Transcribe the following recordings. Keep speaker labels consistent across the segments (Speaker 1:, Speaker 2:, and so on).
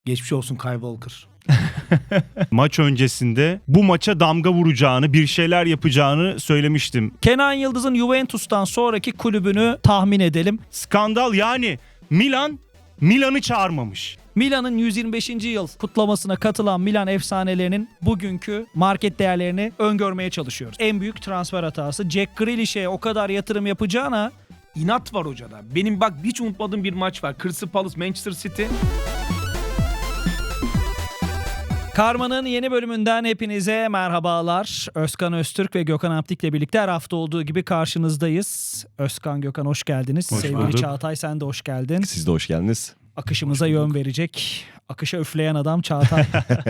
Speaker 1: Geçmiş olsun Kyle Walker.
Speaker 2: Maç öncesinde bu maça damga vuracağını, bir şeyler yapacağını söylemiştim.
Speaker 3: Kenan Yıldız'ın Juventus'tan sonraki kulübünü tahmin edelim.
Speaker 2: Skandal, yani Milan'ı çağırmamış.
Speaker 3: Milan'ın 125. yıl kutlamasına katılan Milan efsanelerinin bugünkü market değerlerini öngörmeye çalışıyoruz. En büyük transfer hatası Jack Grealish'e o kadar yatırım yapacağına
Speaker 1: İnat var hocada. Benim bak hiç unutmadığım bir maç var. Crystal Palace Manchester City.
Speaker 3: Karma'nın yeni bölümünden hepinize merhabalar. Özkan Öztürk ve Gökhan Aptik'le birlikte her hafta olduğu gibi karşınızdayız. Özkan, Gökhan hoş geldiniz.
Speaker 2: Hoş
Speaker 3: Sevgili
Speaker 2: bulduk.
Speaker 3: Çağatay, sen de hoş geldin.
Speaker 4: Siz de hoş geldiniz.
Speaker 3: Akışımıza yön verecek, akışa üfleyen adam Çağatay.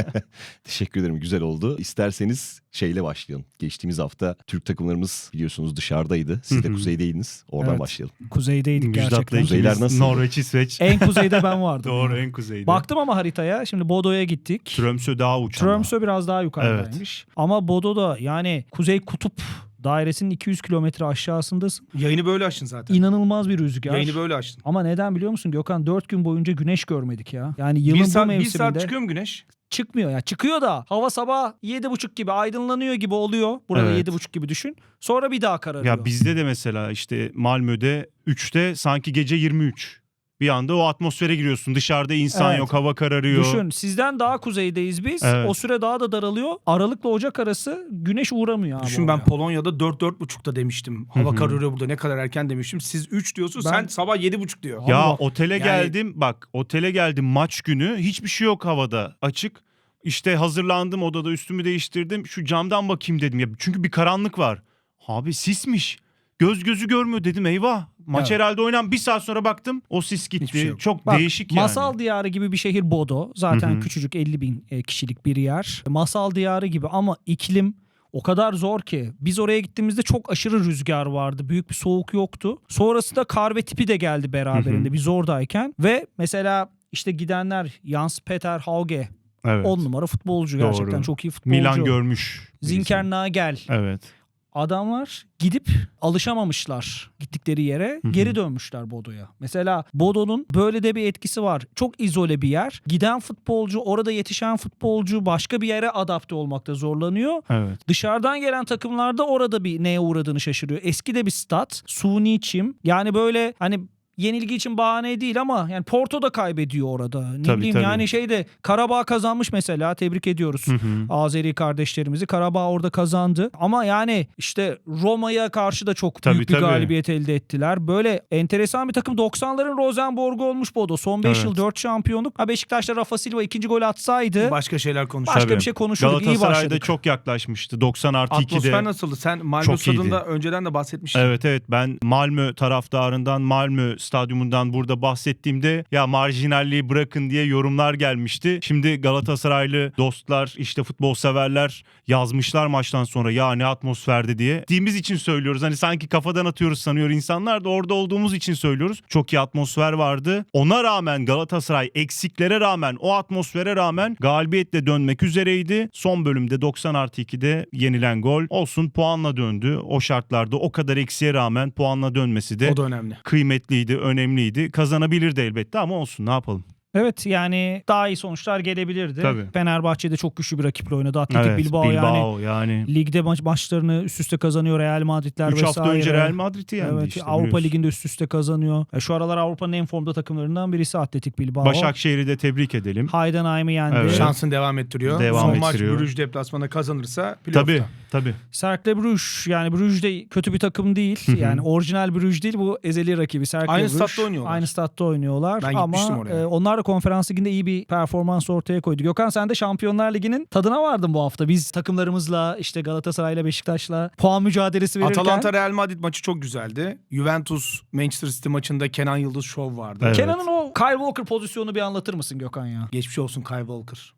Speaker 4: Teşekkür ederim. Güzel oldu. İsterseniz şeyle başlayalım. Geçtiğimiz hafta Türk takımlarımız biliyorsunuz dışarıdaydı. Siz de kuzeydeydiniz. Oradan
Speaker 3: Evet.
Speaker 4: başlayalım.
Speaker 3: Kuzeydeydik gerçekten.
Speaker 2: Müjdat'la
Speaker 4: Kuzeyler
Speaker 2: ikimiz
Speaker 4: nasıl?
Speaker 2: Norveç, İsveç.
Speaker 3: En kuzeyde ben vardım.
Speaker 2: Doğru, en kuzeyde.
Speaker 3: Baktım ama haritaya. Şimdi Bodo'ya gittik.
Speaker 2: Tromsø daha uç ama.
Speaker 3: Tromsø biraz daha yukarıdaymış. Ama Bodo'da yani Kuzey Kutup dairesinin 200 kilometre aşağısındasın.
Speaker 1: Yayını böyle açtın zaten.
Speaker 3: İnanılmaz bir rüzgar.
Speaker 1: Yayını böyle açtın.
Speaker 3: Ama neden biliyor musun Gökhan? 4 gün boyunca güneş görmedik ya. Yani yılın
Speaker 1: Bir
Speaker 3: bu
Speaker 1: saat
Speaker 3: mevsiminde
Speaker 1: çıkıyor mu güneş?
Speaker 3: çıkmıyor ya. Çıkıyor da hava sabah 7.30 gibi aydınlanıyor gibi oluyor. Burada
Speaker 2: Evet.
Speaker 3: 7.30 gibi düşün. Sonra bir daha kararıyor.
Speaker 2: Ya bizde de mesela işte Malmö'de 3'te sanki gece 23. Bir anda o atmosfere giriyorsun. Dışarıda insan
Speaker 3: Evet.
Speaker 2: yok, hava kararıyor.
Speaker 3: Düşün, sizden daha kuzeydeyiz biz.
Speaker 2: Evet.
Speaker 3: O süre daha da daralıyor. Aralıkla Ocak arası güneş uğramıyor abi.
Speaker 1: Düşün ben
Speaker 3: oraya.
Speaker 1: Polonya'da 4-4.30'da demiştim. Hava
Speaker 2: Hı hı.
Speaker 1: kararıyor burada, ne kadar erken demiştim. Siz 3 diyorsun,
Speaker 3: Ben-
Speaker 1: sen sabah 7.30 diyor.
Speaker 2: Ya
Speaker 3: Allah.
Speaker 2: otele
Speaker 1: Yani-
Speaker 2: geldim, bak otele geldim maç günü, hiçbir şey yok havada, açık. İşte hazırlandım, odada üstümü değiştirdim, şu camdan bakayım dedim ya, çünkü bir karanlık var. Abi sismiş, göz gözü görmüyor, dedim eyvah maç
Speaker 1: Evet.
Speaker 2: herhalde oynan, bir saat sonra baktım o sis gitti.
Speaker 1: Hiçbir şey yok.
Speaker 2: Çok
Speaker 3: Bak,
Speaker 2: değişik yani.
Speaker 3: Masal diyarı gibi bir şehir Bodo. Zaten
Speaker 2: Hı hı.
Speaker 3: küçücük 50 bin kişilik bir yer. Masal diyarı gibi ama iklim o kadar zor ki. Biz oraya gittiğimizde çok aşırı rüzgar vardı. Büyük bir soğuk yoktu. Sonrasında kar ve tipi de geldi beraberinde
Speaker 2: Hı hı.
Speaker 3: biz oradayken. Ve mesela işte gidenler Jans Peter Hauge
Speaker 2: Evet.
Speaker 3: 10 numara futbolcu,
Speaker 2: Doğru.
Speaker 3: gerçekten çok iyi futbolcu.
Speaker 2: Milan görmüş.
Speaker 3: Zinker Nagel.
Speaker 2: Evet.
Speaker 3: Adamlar gidip alışamamışlar gittikleri yere,
Speaker 2: Hı hı.
Speaker 3: geri dönmüşler Bodo'ya. Mesela Bodo'nun böyle de bir etkisi var. Çok izole bir yer. Giden futbolcu, orada yetişen futbolcu başka bir yere adapte olmakta zorlanıyor.
Speaker 2: Evet.
Speaker 3: Dışarıdan gelen takımlarda orada bir neye uğradığını şaşırıyor. Eski de bir stat, suni çim. Yani böyle hani yenilgi için bahane değil ama yani Porto da kaybediyor orada. Ne
Speaker 2: Tabii,
Speaker 3: bileyim
Speaker 2: tabii.
Speaker 3: yani Karabağ kazanmış mesela. Tebrik ediyoruz.
Speaker 2: Hı hı.
Speaker 3: Azeri kardeşlerimizi. Karabağ orada kazandı. Ama yani işte Roma'ya karşı da çok
Speaker 2: Tabii,
Speaker 3: büyük bir
Speaker 2: tabii.
Speaker 3: galibiyet elde ettiler. Böyle enteresan bir takım. 90'ların Rosenborg'u olmuş Bodo. Son 5
Speaker 2: Evet.
Speaker 3: yıl 4 şampiyonluk. Ha, Beşiktaş'ta Rafa Silva 2. gol atsaydı
Speaker 1: Başka şeyler konuşalım.
Speaker 3: başka
Speaker 2: Tabii.
Speaker 3: bir şey konuşurduk. İyi
Speaker 2: Galatasaray'da
Speaker 3: başladık.
Speaker 2: çok yaklaşmıştı. 90+2'de.
Speaker 1: Atmosfer nasıldı? Sen Malmö
Speaker 2: Çok iyiydi.
Speaker 1: stadında önceden de bahsetmiştin.
Speaker 2: Evet, ben Malmö taraftarından, Malmö stadyumundan burada bahsettiğimde ya marjinalliği bırakın diye yorumlar gelmişti. Şimdi Galatasaraylı dostlar, işte futbol severler yazmışlar maçtan sonra ya ne atmosferdi diye. Dediğimiz için söylüyoruz. Hani sanki kafadan atıyoruz sanıyor insanlar da, orada olduğumuz için söylüyoruz. Çok iyi atmosfer vardı. Ona rağmen Galatasaray eksiklere rağmen, o atmosfere rağmen galibiyetle dönmek üzereydi. Son bölümde 90+2'de yenilen gol olsun, puanla döndü. O şartlarda o kadar eksiğe rağmen puanla dönmesi de
Speaker 1: O da önemli.
Speaker 2: kıymetliydi, önemliydi. Kazanabilirdi elbette ama olsun, ne yapalım.
Speaker 3: Evet, yani daha iyi sonuçlar gelebilirdi.
Speaker 2: Tabii.
Speaker 3: Fenerbahçe'de çok güçlü bir rakiple oynadı. Atletik Bilbao yani ligde maçlarını üst üste kazanıyor. Real Madridler
Speaker 2: 3
Speaker 3: vesaire.
Speaker 2: hafta önce Real Madrid'i yendi
Speaker 3: Evet,
Speaker 2: işte.
Speaker 3: Avrupa
Speaker 2: biliyorsun.
Speaker 3: Ligi'nde üst üste kazanıyor. Şu aralar Avrupa'nın en formda takımlarından birisi Atletik Bilbao.
Speaker 2: Başakşehir'i de tebrik edelim.
Speaker 3: Heidenheim'i yendi.
Speaker 2: Evet.
Speaker 1: Şansını devam ettiriyor.
Speaker 2: Devam
Speaker 1: Son maç
Speaker 2: ettiriyor.
Speaker 1: Brüj deplasmana kazanırsa playoff'ta.
Speaker 2: Tabii.
Speaker 3: Cercle Bruges, yani Bruges de kötü bir takım değil.
Speaker 2: Hı hı.
Speaker 3: Yani orijinal Bruges değil, bu ezeli rakibi Cercle
Speaker 1: Aynı
Speaker 3: Bruges.
Speaker 1: statta oynuyorlar.
Speaker 3: Aynı statta oynuyorlar.
Speaker 1: Ben
Speaker 3: ama
Speaker 1: gitmiştim oraya.
Speaker 3: onlar da Konferans Ligi'nde iyi bir performans ortaya koydu. Gökhan, sen de Şampiyonlar Ligi'nin tadına vardın bu hafta. Biz takımlarımızla işte Galatasaray'la, Beşiktaş'la puan mücadelesi verirken.
Speaker 1: Atalanta Real Madrid maçı çok güzeldi. Juventus Manchester City maçında Kenan Yıldız şov vardı.
Speaker 2: Evet.
Speaker 3: Kenan'ın o Kyle Walker pozisyonu bir anlatır mısın Gökhan ya?
Speaker 1: Geçmiş olsun Kyle Walker.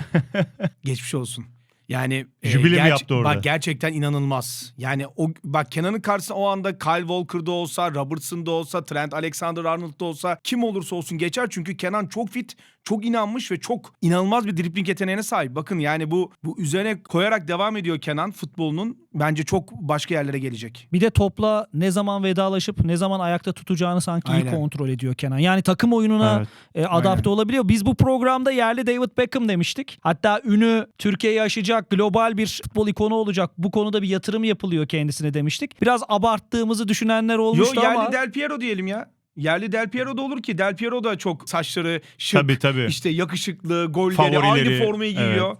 Speaker 1: Geçmiş olsun. Yani
Speaker 2: Jübile mi yaptı orada?
Speaker 1: Bak gerçekten inanılmaz. Yani o bak Kenan'ın karşısında o anda Kyle Walker'da olsa, Robertson'da olsa, Trent Alexander-Arnold'da olsa, kim olursa olsun geçer çünkü Kenan çok fit, çok inanmış ve çok inanılmaz bir dribling yeteneğine sahip. Bakın yani bu üzerine koyarak devam ediyor Kenan futbolunun. Bence çok başka yerlere gelecek.
Speaker 3: Bir de topla ne zaman vedalaşıp ne zaman ayakta tutacağını sanki iyi
Speaker 1: Aynen.
Speaker 3: kontrol ediyor Kenan. Yani takım oyununa adapte
Speaker 1: Aynen.
Speaker 3: olabiliyor. Biz bu programda yerli David Beckham demiştik. Hatta ünü Türkiye'yi aşacak, global bir futbol ikonu olacak. Bu konuda bir yatırım yapılıyor kendisine demiştik. Biraz abarttığımızı düşünenler olmuştu
Speaker 1: yerli
Speaker 3: ama
Speaker 1: Del Piero diyelim ya. Yerli Del Piero da olur ki. Del Piero da çok saçları şık,
Speaker 2: Tabii.
Speaker 1: işte yakışıklı, golleri,
Speaker 2: Favorileri,
Speaker 1: aynı formayı giyiyor.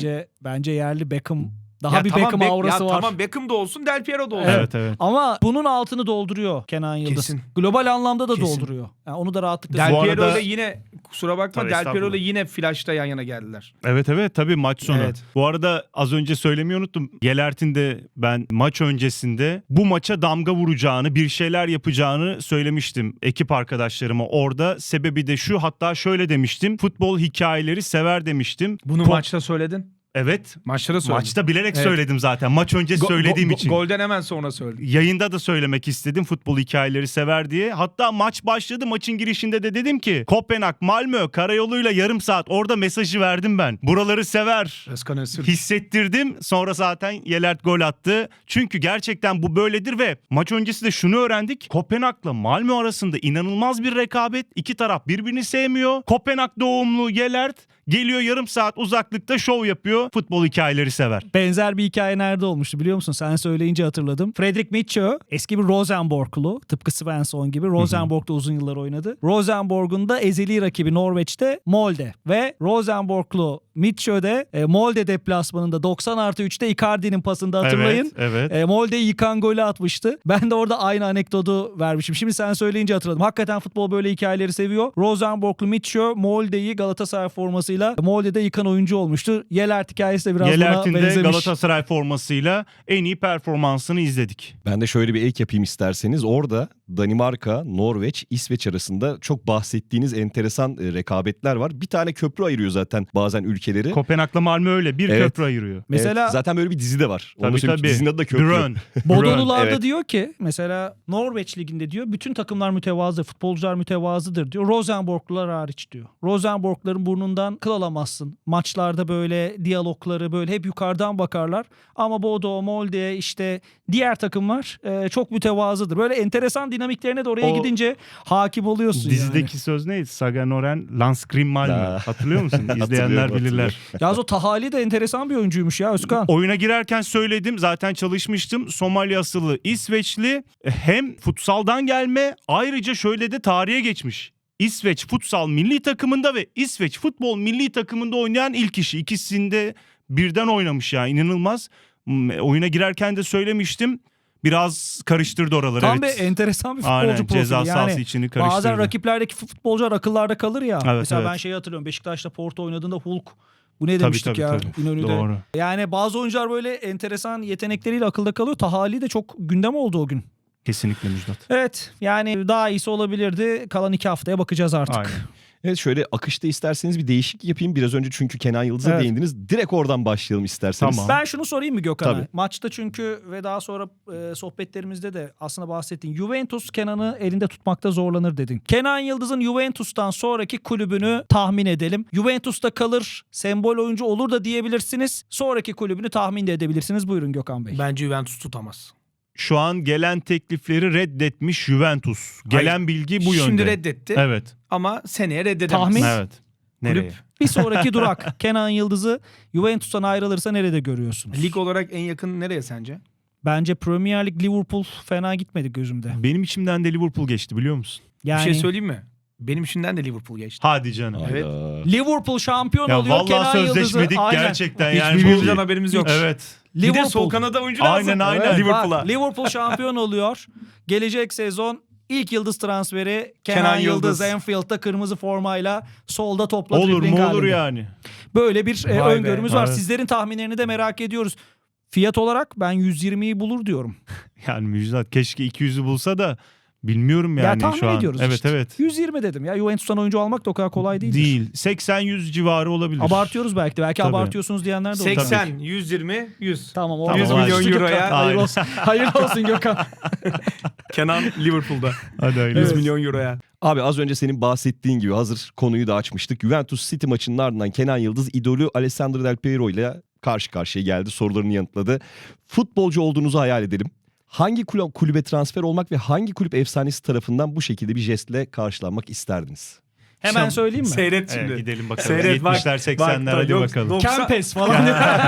Speaker 3: bence yerli Beckham daha
Speaker 1: Ya
Speaker 3: bir
Speaker 1: tamam,
Speaker 3: Beckham aurası var.
Speaker 1: Tamam Beckham da olsun, Del Piero da olsun.
Speaker 2: Evet.
Speaker 3: Ama bunun altını dolduruyor Kenan Yıldız.
Speaker 1: Kesin.
Speaker 3: Global anlamda da
Speaker 1: Kesin.
Speaker 3: dolduruyor. Yani onu da rahatlıkla
Speaker 1: Del
Speaker 2: Bu
Speaker 1: Piero
Speaker 2: arada-
Speaker 1: ile yine kusura bakma,
Speaker 2: Tabii,
Speaker 1: Del Piero ile
Speaker 2: estağfurullah.
Speaker 1: yine flash'ta yan yana geldiler.
Speaker 2: Evet tabii maç sonu.
Speaker 1: Evet.
Speaker 2: Bu arada az önce söylemeyi unuttum. Yelert'in de ben maç öncesinde bu maça damga vuracağını, bir şeyler yapacağını söylemiştim ekip arkadaşlarıma orada. Sebebi de şu, hatta şöyle demiştim. Futbol hikayeleri sever demiştim.
Speaker 1: Bunu maçta söyledin.
Speaker 2: Evet.
Speaker 1: Maçta da söyledin.
Speaker 2: Maçta bilerek
Speaker 1: Evet.
Speaker 2: söyledim zaten. Maç öncesi söylediğim için.
Speaker 1: Golden hemen sonra söyledin.
Speaker 2: Yayında da söylemek istedim, futbol hikayeleri sever diye. Hatta maç başladı, maçın girişinde de dedim ki Kopenhag, Malmö karayoluyla yarım saat, orada mesajı verdim ben. Buraları sever.
Speaker 1: Özkan Öztürk.
Speaker 2: Hissettirdim. Sonra zaten Yelert gol attı. Çünkü gerçekten bu böyledir ve maç öncesi de şunu öğrendik. Kopenhag'la Malmö arasında inanılmaz bir rekabet. İki taraf birbirini sevmiyor. Kopenhag doğumlu Yelert geliyor, yarım saat uzaklıkta şov yapıyor. Futbol hikayeleri sever.
Speaker 3: Benzer bir hikaye nerede olmuştu biliyor musun? Sen söyleyince hatırladım. Fredrik Mitchell eski bir Rosenborglu. Tıpkı Svensson gibi. Rosenborg'da uzun yıllar oynadı. Rosenborg'un da ezeli rakibi Norveç'te Molde. Ve Rosenborglu Mitchell de Molde deplasmanında 90+3'te Icardi'nin pasında hatırlayın.
Speaker 2: Evet.
Speaker 3: Molde'yi yıkan golü atmıştı. Ben de orada aynı anekdotu vermişim. Şimdi sen söyleyince hatırladım. Hakikaten futbol böyle hikayeleri seviyor. Rosenborglu Mitchell Molde'yi Galatasaray formasıyla Molde'de yıkan oyuncu olmuştu. Yelert hikayesi de biraz
Speaker 2: Yelert'in
Speaker 3: buna
Speaker 2: de
Speaker 3: benzemiş.
Speaker 2: Galatasaray formasıyla en iyi performansını izledik.
Speaker 4: Ben de şöyle bir ek yapayım isterseniz. Orada Danimarka, Norveç, İsveç arasında çok bahsettiğiniz enteresan rekabetler var. Bir tane köprü ayırıyor zaten bazen ülkeleri.
Speaker 2: Kopenhag'la Malmö öyle bir
Speaker 4: Evet.
Speaker 2: köprü ayırıyor.
Speaker 3: Mesela
Speaker 4: Evet, zaten böyle bir dizi de var. Onu
Speaker 2: Tabii
Speaker 4: söyleyeyim,
Speaker 2: tabii.
Speaker 4: dizinin adı da köprü.
Speaker 2: Brön.
Speaker 3: Bodolularda
Speaker 4: Evet.
Speaker 3: diyor ki mesela Norveç liginde diyor bütün takımlar mütevazı, futbolcular mütevazıdır diyor. Rosenborglular hariç diyor. Rosenborgluların burnundan kıl alamazsın. Maçlarda böyle diyalogları böyle hep yukarıdan bakarlar. Ama Bodo, Molde işte diğer takımlar çok mütevazıdır. Böyle enteresan dinamiklerine de oraya
Speaker 2: O
Speaker 3: gidince hakim oluyorsun
Speaker 2: Dizideki söz neydi? Saga Noren, Landskrim Malmö.
Speaker 4: Ha.
Speaker 2: Hatırlıyor musun? İzleyenler
Speaker 4: Hatırlıyorum.
Speaker 2: bilirler.
Speaker 3: yani. Yalnız o Tahali de enteresan bir oyuncuymuş ya Özkan.
Speaker 2: Oyuna girerken söyledim, zaten çalışmıştım. Somali asıllı İsveçli, hem futsaldan gelme, ayrıca şöyle de tarihe geçmiş. İsveç futsal milli takımında ve İsveç futbol milli takımında oynayan ilk kişi. İkisinde birden oynamış ya, inanılmaz. Oyuna girerken de söylemiştim. Biraz karıştırdı oraları.
Speaker 3: Tam
Speaker 2: evet.
Speaker 3: bir enteresan bir futbolcu
Speaker 2: Aynen,
Speaker 3: profili.
Speaker 2: ceza sahası
Speaker 3: Yani
Speaker 2: içini karıştırdı.
Speaker 3: bazen rakiplerdeki futbolcular akıllarda kalır ya.
Speaker 2: Evet,
Speaker 3: Mesela
Speaker 2: evet.
Speaker 3: ben şeyi hatırlıyorum. Beşiktaş'ta Porto oynadığında Hulk. Bu ne demiştik
Speaker 2: tabii,
Speaker 3: ya
Speaker 2: tabii.
Speaker 3: İnönü'de.
Speaker 2: Doğru.
Speaker 3: Yani bazı oyuncular böyle enteresan yetenekleriyle akılda kalıyor. Tahali de çok gündem oldu o gün.
Speaker 2: Kesinlikle Müjdat.
Speaker 3: Evet yani daha iyisi olabilirdi. Kalan 2 haftaya bakacağız artık.
Speaker 2: Aynen.
Speaker 4: Evet, şöyle akışta isterseniz bir değişiklik yapayım. Biraz önce çünkü Kenan Yıldız'a
Speaker 3: Evet.
Speaker 4: değindiniz. Direkt oradan başlayalım isterseniz.
Speaker 2: Tamam.
Speaker 3: Ben şunu sorayım mı Gökhan'a?
Speaker 4: Tabii.
Speaker 3: Maçta çünkü ve daha sonra sohbetlerimizde de aslında bahsettin. Juventus Kenan'ı elinde tutmakta zorlanır dedin. Kenan Yıldız'ın Juventus'tan sonraki kulübünü tahmin edelim. Juventus'ta kalır, sembol oyuncu olur da diyebilirsiniz. Sonraki kulübünü tahmin de edebilirsiniz. Buyurun Gökhan Bey.
Speaker 1: Bence Juventus tutamaz.
Speaker 2: Şu an gelen teklifleri reddetmiş Juventus. Gelen bilgi bu yönde.
Speaker 1: Şimdi reddetti
Speaker 2: Evet.
Speaker 1: ama seneye reddedemez.
Speaker 3: Tahmin?
Speaker 2: Evet. Nereye?
Speaker 1: Kulüp
Speaker 3: Bir sonraki durak Kenan Yıldız'ı Juventus'tan ayrılırsa nerede görüyorsunuz?
Speaker 1: lig olarak en yakın nereye sence?
Speaker 3: Bence Premier Lig Liverpool fena gitmedi gözümde.
Speaker 2: Benim içimden de Liverpool geçti, biliyor musun?
Speaker 3: Yani
Speaker 1: Bir şey söyleyeyim mi? Benim şimdiden de Liverpool geçti.
Speaker 2: Hadi canım.
Speaker 1: Evet.
Speaker 4: Hayda.
Speaker 3: Liverpool şampiyon
Speaker 2: Ya
Speaker 3: oluyor.
Speaker 2: vallahi
Speaker 3: Kenan Yıldız'ı.
Speaker 2: sözleşmedik
Speaker 3: Aynen.
Speaker 2: gerçekten
Speaker 1: Hiç
Speaker 2: yani.
Speaker 1: birbirimizden haberimiz yok.
Speaker 2: Evet.
Speaker 1: Bir de sol kanada oyuncu lazım.
Speaker 2: Aynen,
Speaker 3: Evet,
Speaker 2: Liverpool'a.
Speaker 3: bak, Liverpool şampiyon oluyor. Gelecek sezon ilk yıldız transferi Kenan,
Speaker 1: Kenan
Speaker 3: Yıldız.
Speaker 1: Yıldız.
Speaker 3: Anfield'da kırmızı formayla solda topla
Speaker 2: Olur
Speaker 3: dribbling
Speaker 2: mu olur
Speaker 3: halinde.
Speaker 2: yani.
Speaker 3: Böyle bir
Speaker 1: Vay be.
Speaker 3: öngörümüz var.
Speaker 2: Evet.
Speaker 3: Sizlerin tahminlerini de merak ediyoruz. Fiyat olarak ben 120'yi bulur diyorum.
Speaker 2: Yani Müjdat keşke 200'ü bulsa da Bilmiyorum yani
Speaker 3: tahmin
Speaker 2: şu an.
Speaker 3: ediyoruz
Speaker 2: Evet
Speaker 3: işte.
Speaker 2: evet.
Speaker 3: 120 dedim ya. Juventus'tan oyuncu almak da o kadar kolay değildir.
Speaker 2: Değil. 80-100 civarı olabilir.
Speaker 3: Abartıyoruz belki de. Belki
Speaker 2: Tabii.
Speaker 3: abartıyorsunuz diyenler de olur.
Speaker 1: 80, 120, 100.
Speaker 3: Tamam.
Speaker 2: Tamam,
Speaker 1: 100
Speaker 2: hadi.
Speaker 1: milyon euroya.
Speaker 3: Gökhan. Hayırlı olsun. Hayırlı olsun Gökhan.
Speaker 1: Kenan Liverpool'da.
Speaker 2: Hadi hayırlı
Speaker 1: 100
Speaker 2: olsun.
Speaker 1: milyon euroya.
Speaker 4: Abi az önce senin bahsettiğin gibi hazır konuyu da açmıştık. Juventus City maçının ardından Kenan Yıldız idolü Alessandro Del Piero ile karşı karşıya geldi. Sorularını yanıtladı. Futbolcu olduğunuzu hayal edelim. Hangi kulübe transfer olmak ve hangi kulüp efsanesi tarafından bu şekilde bir jestle karşılanmak isterdiniz?
Speaker 3: Hemen söyleyeyim mi?
Speaker 1: Seyret şimdi.
Speaker 2: Evet, gidelim bakalım.
Speaker 1: Seyret, bak,
Speaker 2: 70'ler 80'ler hadi
Speaker 1: yok,
Speaker 2: bakalım.
Speaker 3: Kempes falan.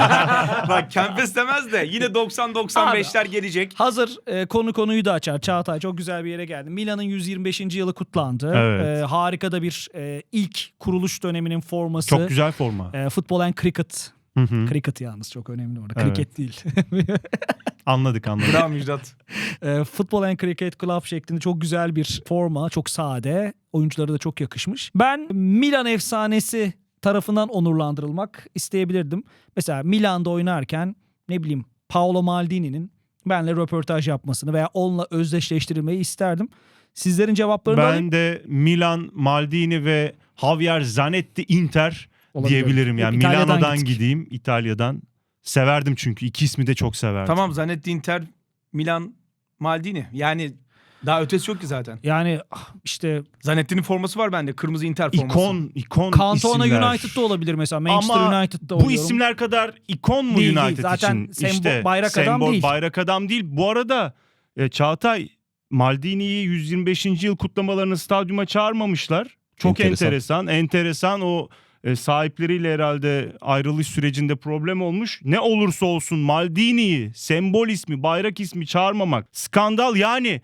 Speaker 1: Bak Kempes demez de yine 90-95'ler gelecek.
Speaker 3: Hazır konuyu da açar. Çağatay çok güzel bir yere geldi. Milan'ın 125. yılı kutlandı.
Speaker 2: Evet.
Speaker 3: Harika da bir ilk kuruluş döneminin forması.
Speaker 2: Çok güzel forma.
Speaker 3: Football and Cricket.
Speaker 2: Hı hı.
Speaker 3: Cricket yalnız çok önemli orada.
Speaker 2: Evet.
Speaker 3: Cricket değil.
Speaker 2: Anladık.
Speaker 1: Bravo Müjdat.
Speaker 3: Football and Cricket Club şeklinde çok güzel bir forma. Çok sade. Oyunculara da çok yakışmış. Ben Milan efsanesi tarafından onurlandırılmak isteyebilirdim. Mesela Milan'da oynarken ne bileyim Paolo Maldini'nin benle röportaj yapmasını veya onunla özdeşleştirilmeyi isterdim. Sizlerin cevaplarını alayım.
Speaker 2: Ben de Milan, Maldini ve Javier Zanetti Inter
Speaker 3: Olabilir.
Speaker 2: diyebilirim. Yani
Speaker 3: İtalya'dan
Speaker 2: Milano'dan
Speaker 3: gittik.
Speaker 2: gideyim, İtalya'dan. Severdim çünkü. İki ismi de çok severdim.
Speaker 1: Tamam Zanetti, Inter, Milan, Maldini. Yani daha ötesi yok ki zaten.
Speaker 3: Yani işte
Speaker 1: Zanetti'nin forması var bende. Kırmızı Inter forması.
Speaker 2: İkon
Speaker 3: Cantona
Speaker 2: isimler.
Speaker 3: United'da olabilir mesela. Manchester
Speaker 2: Ama
Speaker 3: United'da
Speaker 2: bu
Speaker 3: oynuyorum.
Speaker 2: isimler kadar ikon mu
Speaker 3: Değil, değil.
Speaker 2: United
Speaker 3: Zaten
Speaker 2: için?
Speaker 3: bayrak adam değil.
Speaker 2: Bayrak adam değil. Bu arada Çağatay, Maldini'yi 125. yıl kutlamalarını stadyuma çağırmamışlar. Çok enteresan. O sahipleriyle herhalde ayrılış sürecinde problem olmuş. Ne olursa olsun Maldini'yi sembol ismi, bayrak ismi çağırmamak skandal. Yani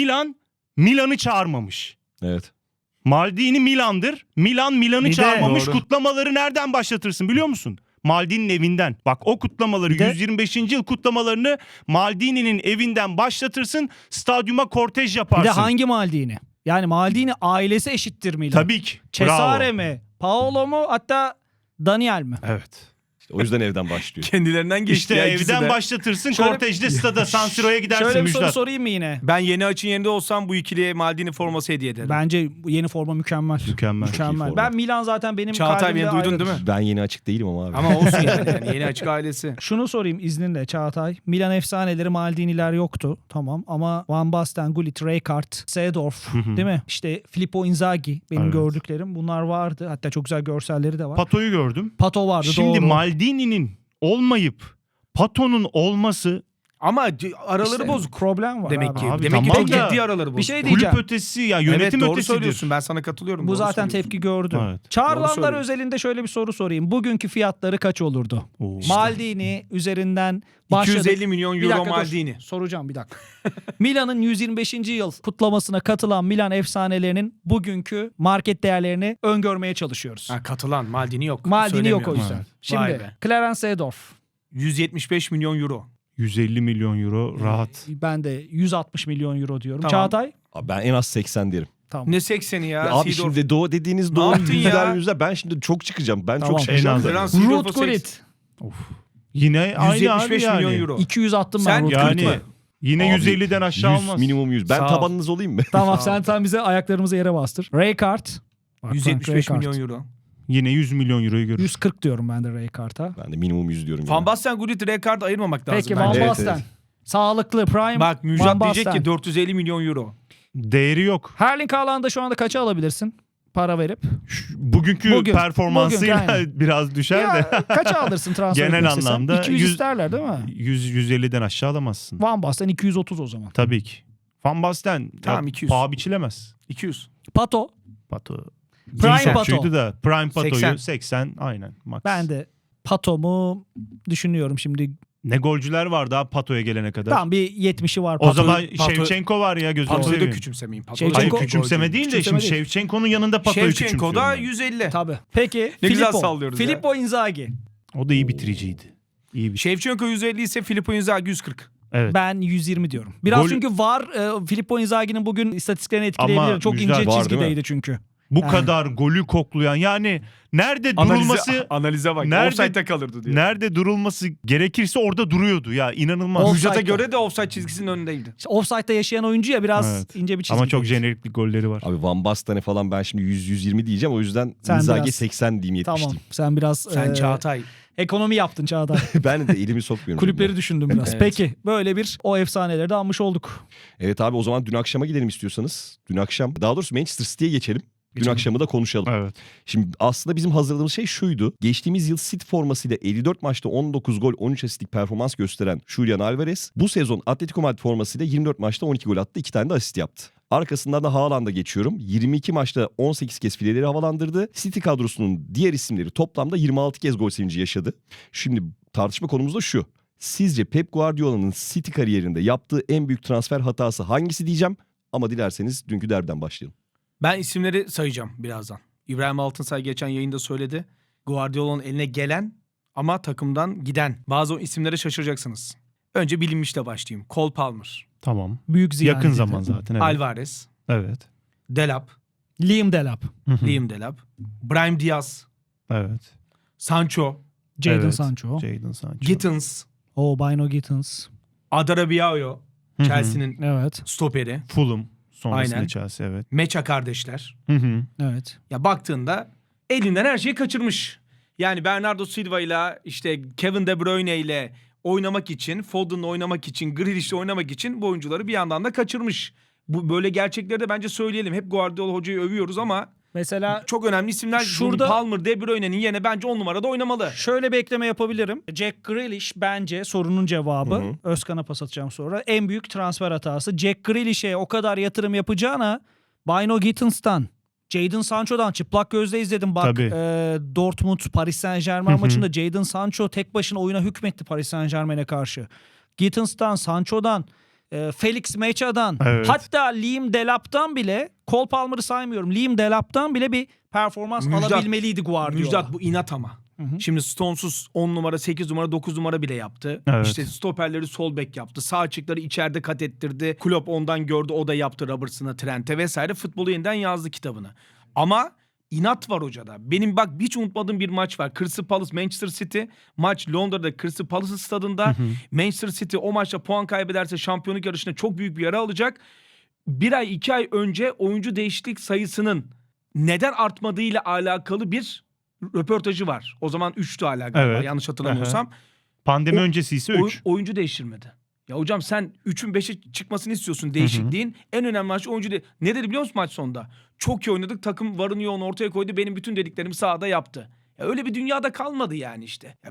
Speaker 2: Milan'ı çağırmamış.
Speaker 4: Evet.
Speaker 2: Maldini Milan'dır. Milan'ı
Speaker 3: Bir de-
Speaker 2: çağırmamış.
Speaker 1: Doğru.
Speaker 2: Kutlamaları nereden başlatırsın biliyor musun? Maldini'nin evinden. Bak o kutlamaları
Speaker 3: Bir de-
Speaker 2: 125. yıl kutlamalarını Maldini'nin evinden başlatırsın. Stadyuma kortej
Speaker 3: Bir
Speaker 2: yaparsın.
Speaker 3: de hangi Maldini? Yani Maldini ailesi eşittir Milan.
Speaker 2: Tabii ki.
Speaker 3: Cesare
Speaker 2: Bravo.
Speaker 3: mi? Paolo mu? Hatta Daniel mi?
Speaker 2: Evet.
Speaker 4: İşte o yüzden evden başlıyor.
Speaker 1: Kendilerinden geçti
Speaker 2: İşte
Speaker 1: ya ikisi
Speaker 2: evden
Speaker 1: de.
Speaker 2: başlatırsın.
Speaker 3: Şöyle-
Speaker 2: Kortejde stada San Siro'ya gidersin
Speaker 3: Şöyle bir soru
Speaker 2: Müjdat.
Speaker 3: sorayım mı yine?
Speaker 1: Ben yeni açın yerinde olsam bu ikiliye Maldini forması hediye ederim.
Speaker 3: Bence bu yeni forma mükemmel.
Speaker 2: Mükemmel.
Speaker 3: Mükemmel.
Speaker 4: forma.
Speaker 3: Ben Milan zaten benim
Speaker 1: Çağatay
Speaker 3: kalbimde
Speaker 1: beni duydun
Speaker 3: ayrıdır.
Speaker 1: değil mi?
Speaker 4: Ben yeni açık değilim ama abi.
Speaker 1: Ama olsun yani. Yeni açık ailesi.
Speaker 3: Şunu sorayım izninle Çağatay. Milan efsaneleri Maldini'ler yoktu. Tamam ama Van Basten, Gullit, Rijkaard, Seedorf değil mi? İşte Filippo Inzaghi benim
Speaker 2: Evet.
Speaker 3: gördüklerim. Bunlar vardı. Hatta çok güzel görselleri de var.
Speaker 2: Pato'yu gördüm.
Speaker 3: Pato vardı
Speaker 2: Şimdi
Speaker 3: doğru.
Speaker 2: Maldini'nin olmayıp Pato'nun olması
Speaker 1: Ama araları
Speaker 3: İşte
Speaker 1: bozuk.
Speaker 3: problem var
Speaker 1: Demek
Speaker 3: abi.
Speaker 1: ki.
Speaker 2: Abi
Speaker 1: Demek ki
Speaker 2: tamam
Speaker 1: çok
Speaker 2: da
Speaker 1: ciddi araları bozuk.
Speaker 3: Bir şey diyeceğim.
Speaker 2: kulüp ötesi ya yönetim
Speaker 1: Evet doğru
Speaker 2: ötesidir.
Speaker 1: söylüyorsun. Ben sana katılıyorum.
Speaker 3: Bu
Speaker 1: Doğru
Speaker 3: zaten
Speaker 1: söylüyorsun.
Speaker 3: tepki gördü.
Speaker 2: Evet.
Speaker 3: Çağrılanlar
Speaker 1: söylüyorsun.
Speaker 3: özelinde şöyle bir soru sorayım. Bugünkü fiyatları kaç olurdu?
Speaker 2: Oo.
Speaker 3: Maldini üzerinden başladık.
Speaker 1: 250 milyon
Speaker 3: Bir
Speaker 1: euro
Speaker 3: dakika dur.
Speaker 1: Maldini.
Speaker 3: Soracağım bir dakika. Milan'ın 125. yıl kutlamasına katılan Milan efsanelerinin bugünkü market değerlerini öngörmeye çalışıyoruz.
Speaker 1: Ha, katılan Maldini yok.
Speaker 3: Maldini yok o
Speaker 1: Söylemiyorum.
Speaker 3: yüzden.
Speaker 2: Evet.
Speaker 1: Vay
Speaker 3: Şimdi
Speaker 1: be.
Speaker 3: Clarence Seedorf.
Speaker 1: 175 milyon euro.
Speaker 2: 150 milyon euro rahat.
Speaker 3: Ben de 160 milyon euro diyorum.
Speaker 1: Tamam.
Speaker 3: Çağatay?
Speaker 4: Abi ben en az 80 derim.
Speaker 3: Tamam.
Speaker 1: Ne 80'i ya?
Speaker 4: Abi
Speaker 1: Seedorf.
Speaker 4: şimdi dediğiniz
Speaker 1: Ne
Speaker 4: doğru
Speaker 1: yaptın
Speaker 4: yüzler
Speaker 1: ya?
Speaker 4: yüzler. Ben şimdi çok çıkacağım. Ben
Speaker 3: Tamam.
Speaker 4: çok çıkacağım.
Speaker 2: En az.
Speaker 4: zaten.
Speaker 1: Clarence Seedorf'a
Speaker 3: Ruud Gullit.
Speaker 2: Yine aynı
Speaker 1: 175
Speaker 2: abi
Speaker 1: milyon
Speaker 2: yani.
Speaker 1: euro.
Speaker 3: 200 attım ben
Speaker 1: Sen
Speaker 3: Ruud
Speaker 2: Yani
Speaker 3: Gullit'e.
Speaker 2: yine
Speaker 4: Abi,
Speaker 2: 150'den aşağı
Speaker 4: 100,
Speaker 2: olmaz.
Speaker 4: minimum 100. Ben
Speaker 1: Sağ ol.
Speaker 4: tabanınız olayım mı?
Speaker 3: Tamam
Speaker 1: Sağ ol.
Speaker 3: sen bize ayaklarımızı yere bastır. Rijkaard. Bak,
Speaker 1: 175
Speaker 3: Rijkaard.
Speaker 1: milyon euro.
Speaker 2: Yine 100 milyon euroyu görür.
Speaker 3: 140 diyorum ben de Rijkaard'a.
Speaker 4: Ben de minimum 100 diyorum.
Speaker 1: Van
Speaker 4: yani.
Speaker 1: Basten, Gullit, Rijkaard ayırmamak lazım
Speaker 3: Peki
Speaker 1: bence.
Speaker 3: Van
Speaker 4: Evet,
Speaker 3: Basten.
Speaker 4: evet.
Speaker 3: Sağlıklı prime.
Speaker 1: Bak
Speaker 3: Van
Speaker 1: Müjdat diyecek
Speaker 3: Basten.
Speaker 1: ki 450 milyon euro.
Speaker 2: Değeri yok.
Speaker 3: Erling Haaland'ı şu anda kaça alabilirsin? Para verip.
Speaker 2: Bugünkü
Speaker 3: Bugün,
Speaker 2: performansıyla
Speaker 3: aynen.
Speaker 2: biraz düşer de.
Speaker 3: Ya, kaça alırsın transfer
Speaker 2: Genel
Speaker 3: etmek istesen?
Speaker 2: anlamda
Speaker 3: 200
Speaker 2: 100
Speaker 3: isterler değil mi?
Speaker 2: 100-150'den aşağı alamazsın.
Speaker 3: Van Basten 230 o zaman.
Speaker 2: Tabii ki. Van Basten
Speaker 1: Tamam,
Speaker 2: ya,
Speaker 1: 200.
Speaker 2: paha biçilemez.
Speaker 1: 200.
Speaker 3: Pato.
Speaker 2: Pato.
Speaker 3: Prime
Speaker 2: Prime
Speaker 3: Pato.
Speaker 2: da Prime Pato'yu
Speaker 1: 80.
Speaker 2: 80 aynen max.
Speaker 3: Ben de Pato'mu düşünüyorum şimdi.
Speaker 2: Ne golcüler var daha Pato'ya gelene kadar.
Speaker 3: Tamam bir 70'i var
Speaker 2: O
Speaker 3: Pato.
Speaker 2: zaman
Speaker 1: Pato-
Speaker 2: Şevçenko var ya gözünü
Speaker 1: Pato'yu da
Speaker 2: seveyim.
Speaker 1: küçümsemeyin.
Speaker 3: Şevçenko-
Speaker 2: Hayır
Speaker 1: Pato'yu
Speaker 2: küçümseme değil de
Speaker 3: Küçümseme
Speaker 2: şimdi
Speaker 3: değil.
Speaker 2: Şevçenko'nun yanında Pato'yu
Speaker 1: Şevçenko da
Speaker 2: küçümsüyorum.
Speaker 1: 150.
Speaker 3: Tabii. Peki
Speaker 1: Ne güzel
Speaker 3: Filippo.
Speaker 1: sallıyoruz ya.
Speaker 3: Filippo Inzaghi.
Speaker 2: O da iyi bitiriciydi. İyi bir şey.
Speaker 1: Şevçenko 150 ise Filippo Inzaghi 140.
Speaker 2: Evet.
Speaker 3: Ben 120 diyorum. Biraz
Speaker 2: Gol-
Speaker 3: çünkü var Filippo Inzaghi'nin bugün istatistiklerini etkileyebilir.
Speaker 2: Ama
Speaker 3: Çok
Speaker 2: Müjdat
Speaker 3: ince
Speaker 4: var, değil mi?
Speaker 3: çizgideydi çünkü.
Speaker 2: Bu
Speaker 3: Yani.
Speaker 2: kadar golü koklayan, yani nerede durulması
Speaker 1: Analize bak.
Speaker 2: Nerede-
Speaker 1: Offside'de kalırdı diyor.
Speaker 2: nerede durulması gerekirse orada duruyordu ya, inanılmaz.
Speaker 3: Offside'da.
Speaker 1: Müjdat'a göre de offside çizgisinin önündeydi.
Speaker 3: İşte offside'da yaşayan oyuncu ya, biraz
Speaker 2: Evet.
Speaker 3: ince bir çizgi.
Speaker 2: Ama çok jeneriklik golleri var.
Speaker 4: Abi Van Basten'e falan ben şimdi 100-120 diyeceğim. O yüzden
Speaker 3: Sen
Speaker 4: Inzaghi
Speaker 3: biraz-
Speaker 4: 80 diyeyim, 70
Speaker 3: Tamam.
Speaker 4: diyeyim.
Speaker 3: Sen biraz
Speaker 1: Sen Çağatay.
Speaker 3: ekonomi yaptın Çağatay.
Speaker 4: Ben de elimi sokmuyorum.
Speaker 3: Kulüpleri düşündüm biraz.
Speaker 1: Evet.
Speaker 3: Peki böyle bir o efsaneleri de anmış olduk.
Speaker 4: Evet abi, o zaman dün akşama gidelim istiyorsanız. Dün akşam, daha doğrusu Manchester City'ye geçelim. Dün
Speaker 1: Geçelim.
Speaker 4: akşamı da konuşalım.
Speaker 2: Evet.
Speaker 4: Şimdi aslında bizim hazırladığımız şey şuydu. Geçtiğimiz yıl City formasıyla 54 maçta 19 gol 13 asistlik performans gösteren Julian Alvarez bu sezon Atletico Madrid formasıyla 24 maçta 12 gol attı, 2 tane de asist yaptı. Arkasından da Haaland'a geçiyorum. 22 maçta 18 kez fileleri havalandırdı. City kadrosunun diğer isimleri toplamda 26 kez gol sevinci yaşadı. Şimdi tartışma konumuz da şu. Sizce Pep Guardiola'nın City kariyerinde yaptığı en büyük transfer hatası hangisi diyeceğim. Ama dilerseniz dünkü derbiden başlayalım.
Speaker 1: Ben isimleri sayacağım birazdan. İbrahim Altınsay geçen yayında söyledi. Guardiola'nın eline gelen ama takımdan giden. Bazı isimlere şaşıracaksınız. Önce bilinmişle başlayayım. Cole Palmer,
Speaker 2: Tamam.
Speaker 3: Büyük ziyan.
Speaker 2: Yakın
Speaker 3: dedi.
Speaker 2: zaman zaten. Evet.
Speaker 1: Alvarez,
Speaker 2: Evet.
Speaker 1: Delap,
Speaker 3: Liam Delap.
Speaker 1: Liam Delap, Brahim Diaz,
Speaker 2: Evet.
Speaker 1: Sancho,
Speaker 3: Jadon
Speaker 2: Evet.
Speaker 3: Sancho.
Speaker 2: Jadon Sancho.
Speaker 1: Gittins,
Speaker 3: Bino Gittins.
Speaker 1: Adarabiayo,
Speaker 2: Hı hı.
Speaker 1: Chelsea'nin
Speaker 3: Evet.
Speaker 1: stoperi,
Speaker 2: Fulham. Sonrasında
Speaker 1: Aynen.
Speaker 2: Chelsea, evet.
Speaker 1: Mecha kardeşler.
Speaker 2: Hı hı.
Speaker 3: Evet.
Speaker 1: Ya baktığında elinden her şeyi kaçırmış. Yani Bernardo Silva ile işte Kevin De Bruyne ile oynamak için, Foden'la oynamak için, Grealish'le oynamak için bu oyuncuları bir yandan da kaçırmış. Bu böyle gerçekleri de bence söyleyelim. Hep Guardiola hocayı övüyoruz ama
Speaker 3: Mesela
Speaker 1: çok önemli isimler.
Speaker 3: Şurada-
Speaker 1: Palmer, De Bruyne'nin yerine bence 10 numarada oynamalı.
Speaker 3: şöyle bir ekleme yapabilirim. Jack Grealish bence sorunun cevabı.
Speaker 4: Hı hı.
Speaker 3: Özkan'a pas atacağım sonra. En büyük transfer hatası. Jack Grealish'e o kadar yatırım yapacağına Bino Gittins'tan, Jadon Sancho'dan çıplak gözle izledim. Bak
Speaker 2: Tabii.
Speaker 3: Dortmund Paris Saint-Germain
Speaker 2: Hı hı.
Speaker 3: maçında Jadon Sancho tek başına oyuna hükmetti Paris Saint-Germain'e karşı. Gittins'tan, Sancho'dan, Felix Mecha'dan,
Speaker 2: Evet.
Speaker 3: hatta Liam Delap'tan bile, Cole Palmer'ı saymıyorum, Liam Delap'tan bile bir performans
Speaker 1: Müjdat-
Speaker 3: alabilmeliydi Guardiola.
Speaker 1: Müjdat bu inat ama.
Speaker 3: Hı hı.
Speaker 1: Şimdi Stones'uz 10 numara, 8 numara, 9 numara bile yaptı.
Speaker 2: Evet.
Speaker 1: İşte stoperleri sol bek yaptı. Sağ açıkları içeride kat ettirdi. Klopp ondan gördü, o da yaptı Robertson'a, Trent'e vesaire. Futbolu yeniden yazdı kitabını. Ama inat var hocada. Benim bak hiç unutmadığım bir maç var. Crystal Palace Manchester City. Maç Londra'da Crystal Palace stadında. Manchester City o maçta puan kaybederse şampiyonluk yarışında çok büyük bir yara alacak. 1 ay 2 ay önce oyuncu değişiklik sayısının neden artmadığıyla alakalı bir röportajı var. O zaman 3'tü hala galiba,
Speaker 2: Evet.
Speaker 1: yanlış hatırlamıyorsam.
Speaker 2: Pandemi
Speaker 1: O-
Speaker 2: öncesi ise
Speaker 1: Oy-
Speaker 2: 3.
Speaker 1: oyuncu değiştirmedi. Ya hocam sen 3'ün 5'e çıkmasını istiyorsun değişikliğin. En önemli maç oyuncu ne dedi biliyor musun maç sonunda? Çok iyi oynadık, takım varını yoğunu ortaya koydu, benim bütün dediklerimi sahada yaptı. Ya öyle bir dünyada kalmadı yani işte. Ya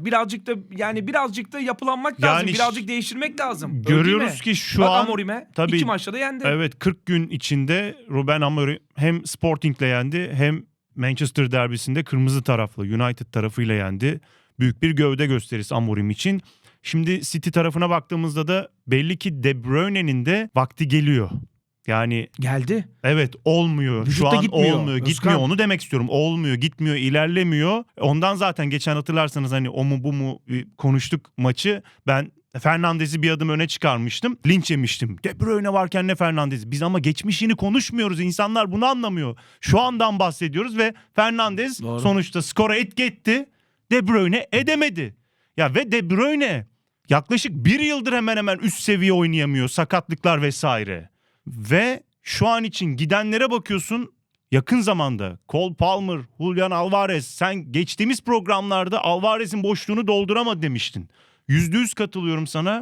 Speaker 1: birazcık da yapılanmak lazım.
Speaker 2: Yani
Speaker 1: Birazcık değiştirmek lazım. Öyle
Speaker 2: Görüyoruz
Speaker 1: değil mi?
Speaker 2: ki şu
Speaker 1: Bak
Speaker 2: an
Speaker 1: Amorim'e
Speaker 2: tabii-
Speaker 1: 2 maçta da yendi.
Speaker 2: evet 40 gün içinde Ruben Amorim hem Sporting'le yendi hem Manchester derbisinde kırmızı taraflı United tarafıyla yendi. Büyük bir gövde gösterisi Amorim için. Şimdi City tarafına baktığımızda da belli ki De Bruyne'nin de vakti geliyor. Yani
Speaker 1: Geldi.
Speaker 2: evet olmuyor. Şu
Speaker 1: Vücutta
Speaker 2: an
Speaker 1: gitmiyor.
Speaker 2: olmuyor.
Speaker 1: Özkan.
Speaker 2: Gitmiyor, onu demek istiyorum. Olmuyor, gitmiyor, ilerlemiyor. Ondan zaten geçen hatırlarsanız hani o mu bu mu konuştuk maçı. Ben Fernandez'i bir adım öne çıkarmıştım. Linç yemiştim. De Bruyne varken ne Fernandez? Biz ama geçmişini konuşmuyoruz. İnsanlar bunu anlamıyor. Şu andan bahsediyoruz ve Fernandez
Speaker 1: Doğru.
Speaker 2: sonuçta skora etki etti. De Bruyne edemedi. Ya ve De Bruyne yaklaşık 1 yıldır hemen hemen üst seviye oynayamıyor. Sakatlıklar vesaire. Ve şu an için gidenlere bakıyorsun, yakın zamanda Cole Palmer, Julian Alvarez, sen geçtiğimiz programlarda Alvarez'in boşluğunu dolduramadı demiştin. %100 katılıyorum sana.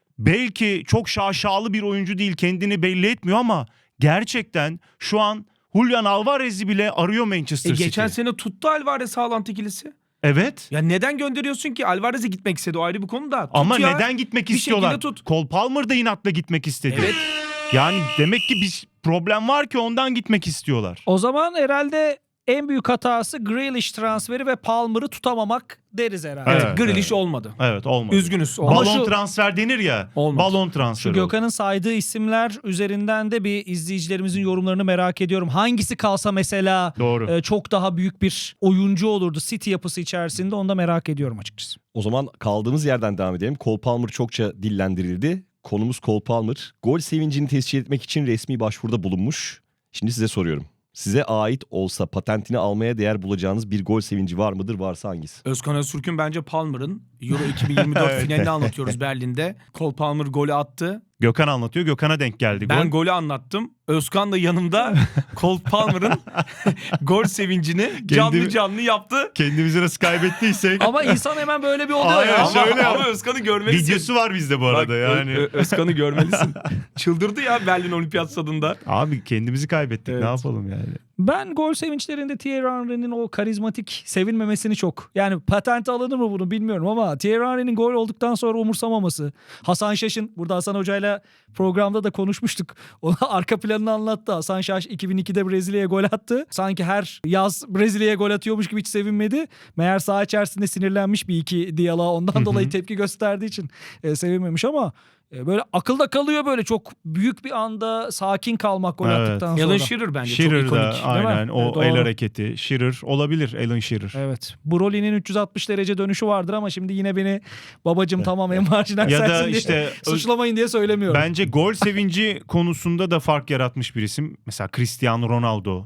Speaker 2: Belki çok şaşalı bir oyuncu değil, kendini belli etmiyor ama gerçekten şu an Julian Alvarez'i bile arıyor Manchester City.
Speaker 1: Geçen sene tuttu Alvarez Haaland ikilisi.
Speaker 2: Evet.
Speaker 1: Ya neden gönderiyorsun ki? Alvarez'e gitmek istedi, o ayrı bir konu da. Tut
Speaker 2: Ama
Speaker 1: ya.
Speaker 2: neden gitmek
Speaker 1: Bir
Speaker 2: istiyorlar?
Speaker 1: şekilde tut.
Speaker 2: Cole Palmer da inatla gitmek istedi.
Speaker 1: Evet.
Speaker 2: Yani demek ki bir problem var ki ondan gitmek istiyorlar.
Speaker 3: O zaman herhalde en büyük hatası Grealish transferi ve Palmer'ı tutamamak deriz herhalde.
Speaker 2: Evet.
Speaker 1: Evet, Grealish olmadı.
Speaker 2: Evet, olmadı.
Speaker 1: Üzgünüz. Olmadı.
Speaker 2: Balon
Speaker 3: şu-
Speaker 2: transfer denir ya.
Speaker 1: Olmadı.
Speaker 2: Balon
Speaker 3: Şu
Speaker 2: transferi. oldu.
Speaker 3: Gökhan'ın saydığı isimler üzerinden de bir izleyicilerimizin yorumlarını merak ediyorum. Hangisi kalsa mesela
Speaker 2: Doğru.
Speaker 3: çok daha büyük bir oyuncu olurdu City yapısı içerisinde, onu da merak ediyorum açıkçası.
Speaker 4: O zaman kaldığımız yerden devam edelim. Cole Palmer çokça dillendirildi. Konumuz Cole Palmer. Gol sevincini tescil etmek için resmi başvuruda bulunmuş. Şimdi size soruyorum. size ait olsa patentini almaya değer bulacağınız bir gol sevinci var mıdır? Varsa hangisi?
Speaker 1: Özkan Öztürk'ün bence Palmer'ın Euro 2024
Speaker 2: Evet.
Speaker 1: finalini anlatıyoruz Berlin'de. Cole Palmer golü attı.
Speaker 2: Gökhan anlatıyor. Gökhan'a denk geldi gol.
Speaker 1: Ben golü anlattım. Özkan da yanımda Cole Palmer'ın gol sevincini canlı canlı yaptı.
Speaker 2: Kendimizi nasıl kaybettiysek.
Speaker 3: Ama insan hemen böyle bir oluyor
Speaker 2: Hayır,
Speaker 3: ya.
Speaker 2: şöyle
Speaker 1: Ama
Speaker 2: yap.
Speaker 1: Özkan'ı görmelisin.
Speaker 2: Videosu var bizde bu arada
Speaker 1: Bak,
Speaker 2: yani.
Speaker 1: Özkan'ı görmelisin. Çıldırdı ya Berlin Olimpiyat Stadında.
Speaker 2: Abi kendimizi kaybettik.
Speaker 1: Evet.
Speaker 2: Ne yapalım yani?
Speaker 3: Ben gol sevinçlerinde Thierry Henry'nin o karizmatik sevinmemesini çok. Yani patente alınır mı bunu bilmiyorum ama Thierry Henry'nin gol olduktan sonra umursamaması. Hasan Şaş'ın burada Hasan Hoca'yla programda da konuşmuştuk. Ona arka planını anlattı. Hasan Şaş 2002'de Brezilya'ya gol attı. Sanki her yaz Brezilya'ya gol atıyormuş gibi hiç sevinmedi. Meğer saha içerisinde sinirlenmiş bir iki diyaloğa ondan dolayı tepki gösterdiği için sevinmemiş ama böyle akılda kalıyor böyle çok büyük bir anda sakin kalmak gol
Speaker 2: Evet.
Speaker 3: attıktan sonra.
Speaker 1: Alan Shearer bence
Speaker 2: Shearer
Speaker 1: çok
Speaker 2: da
Speaker 1: ikonik.
Speaker 2: aynen o
Speaker 3: Evet,
Speaker 2: el
Speaker 3: doğru.
Speaker 2: hareketi. Shearer olabilir. Alan Shearer.
Speaker 3: Evet. Broly'nin 360 derece dönüşü vardır ama şimdi yine beni babacım tamam en marjinal
Speaker 2: Ya da
Speaker 3: sensin diye
Speaker 2: işte
Speaker 3: suçlamayın diye söylemiyorum.
Speaker 2: bence gol sevinci konusunda da fark yaratmış bir isim. Mesela Cristiano Ronaldo.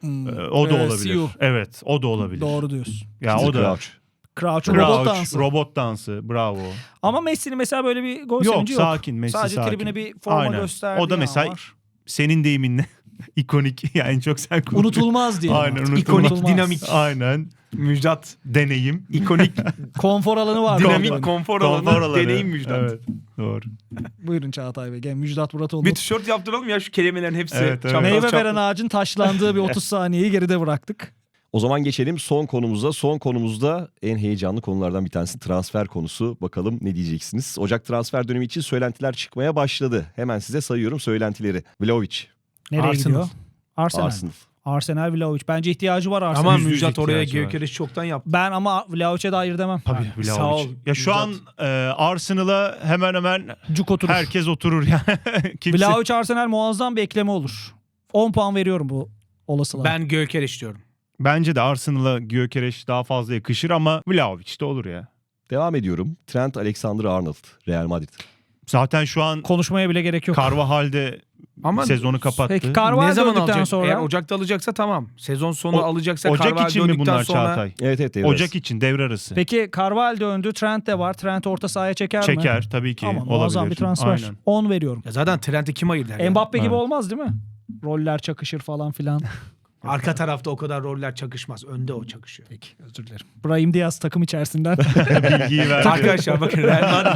Speaker 2: O da olabilir.
Speaker 3: Siu.
Speaker 2: Evet, o da olabilir.
Speaker 3: Doğru diyorsun.
Speaker 2: Ya
Speaker 4: Peter
Speaker 2: o da.
Speaker 4: Crouch.
Speaker 3: Crouch'un robot
Speaker 2: Crouch,
Speaker 3: dansı.
Speaker 2: robot dansı. Bravo.
Speaker 3: Ama Messi'nin mesela böyle bir gol
Speaker 2: Yok,
Speaker 3: sevinci yok.
Speaker 2: sakin. Messi
Speaker 3: Sadece
Speaker 2: sakin.
Speaker 3: tribüne bir forma
Speaker 2: Aynen.
Speaker 3: gösterdiği
Speaker 2: O da
Speaker 3: an
Speaker 2: mesela
Speaker 3: var.
Speaker 2: senin deyiminle ikonik. Yani en çok sen kullandın.
Speaker 3: Unutulmaz diye.
Speaker 2: Aynen, unutulmaz.
Speaker 1: İkonik, dinamik.
Speaker 2: Aynen.
Speaker 1: Müjdat.
Speaker 2: Deneyim.
Speaker 1: İkonik,
Speaker 3: Konfor alanı var.
Speaker 1: dinamik
Speaker 3: orada.
Speaker 1: konfor
Speaker 2: Konfor
Speaker 1: alanı,
Speaker 2: alanı.
Speaker 1: deneyim Müjdat.
Speaker 2: Evet. Doğru.
Speaker 3: Buyurun Çağatay Bey. Gel Müjdat Muratoğlu.
Speaker 1: Bir tişört yaptıralım ya şu kelimelerin hepsi.
Speaker 2: Evet, evet.
Speaker 1: çapraz
Speaker 3: Meyve
Speaker 1: çapraz.
Speaker 3: veren ağacın taşlandığı bir 30 saniyeyi geride bıraktık.
Speaker 4: O zaman geçelim son konumuza. Son konumuzda en heyecanlı konulardan bir tanesi transfer konusu. Bakalım ne diyeceksiniz? Ocak transfer dönemi için söylentiler çıkmaya başladı. Hemen size sayıyorum söylentileri. Vlahovic,
Speaker 3: Nereye
Speaker 1: Arsenal.
Speaker 3: gidiyor? Arsenal.
Speaker 4: Arsenal.
Speaker 3: Arsenal Vlahovic. Bence ihtiyacı var Arsenal.
Speaker 1: Ama
Speaker 2: %100
Speaker 1: Müjdat oraya
Speaker 2: ihtiyacı var.
Speaker 1: Gyökeres çoktan yaptı.
Speaker 3: Ben ama Vlahovic'e de hayır demem.
Speaker 2: Tabii
Speaker 1: Ha,
Speaker 2: Vlahovic.
Speaker 1: sağ ol,
Speaker 2: Ya şu an Arsenal'a hemen hemen
Speaker 3: Cuk oturur.
Speaker 2: herkes oturur yani. Kimse...
Speaker 3: Vlahovic Arsenal muazzam bir ekleme olur. 10 puan veriyorum bu olasılığa.
Speaker 1: Ben Gyökeres diyorum.
Speaker 2: Bence de Arsenal'a Gyökeres daha fazla yakışır ama Vlahovic de olur ya.
Speaker 4: Devam ediyorum. Trent Alexander-Arnold, Real Madrid.
Speaker 2: Zaten şu an
Speaker 3: Konuşmaya bile gerek yok.
Speaker 2: Carvajal'de
Speaker 1: Ama
Speaker 2: sezonu kapattı.
Speaker 3: Peki
Speaker 1: ne
Speaker 3: Carvalho
Speaker 1: zaman
Speaker 3: döndükten
Speaker 1: alacak?
Speaker 3: sonra
Speaker 1: Eğer Ocak'ta alacaksa tamam. Sezon sonu
Speaker 2: O-
Speaker 1: alacaksa
Speaker 2: Ocak
Speaker 1: Carvalho
Speaker 2: için mi
Speaker 1: döndükten
Speaker 2: bunlar
Speaker 1: sonra...
Speaker 2: Çağatay?
Speaker 4: Evet devre
Speaker 2: Ocak
Speaker 4: arası.
Speaker 2: için devre arası.
Speaker 3: Peki Carvalho döndü. Trent de var. Trent orta sahaya çeker mi?
Speaker 2: Çeker tabii ki
Speaker 3: Tamam,
Speaker 2: olabilir.
Speaker 3: muazzam bir transfer.
Speaker 2: Aynen.
Speaker 3: 10 veriyorum.
Speaker 1: Ya zaten Trent'e kim ayır der ya?
Speaker 3: Mbappe gibi
Speaker 2: Evet.
Speaker 3: olmaz değil mi? Roller çakışır falan filan.
Speaker 1: Arka tarafta o kadar roller çakışmaz. Önde o çakışıyor.
Speaker 3: Peki özür dilerim. Brahim Diaz takım içerisinden.
Speaker 2: Bilgiyi verdi.
Speaker 1: Arkadaşlar bakın Real Madrid.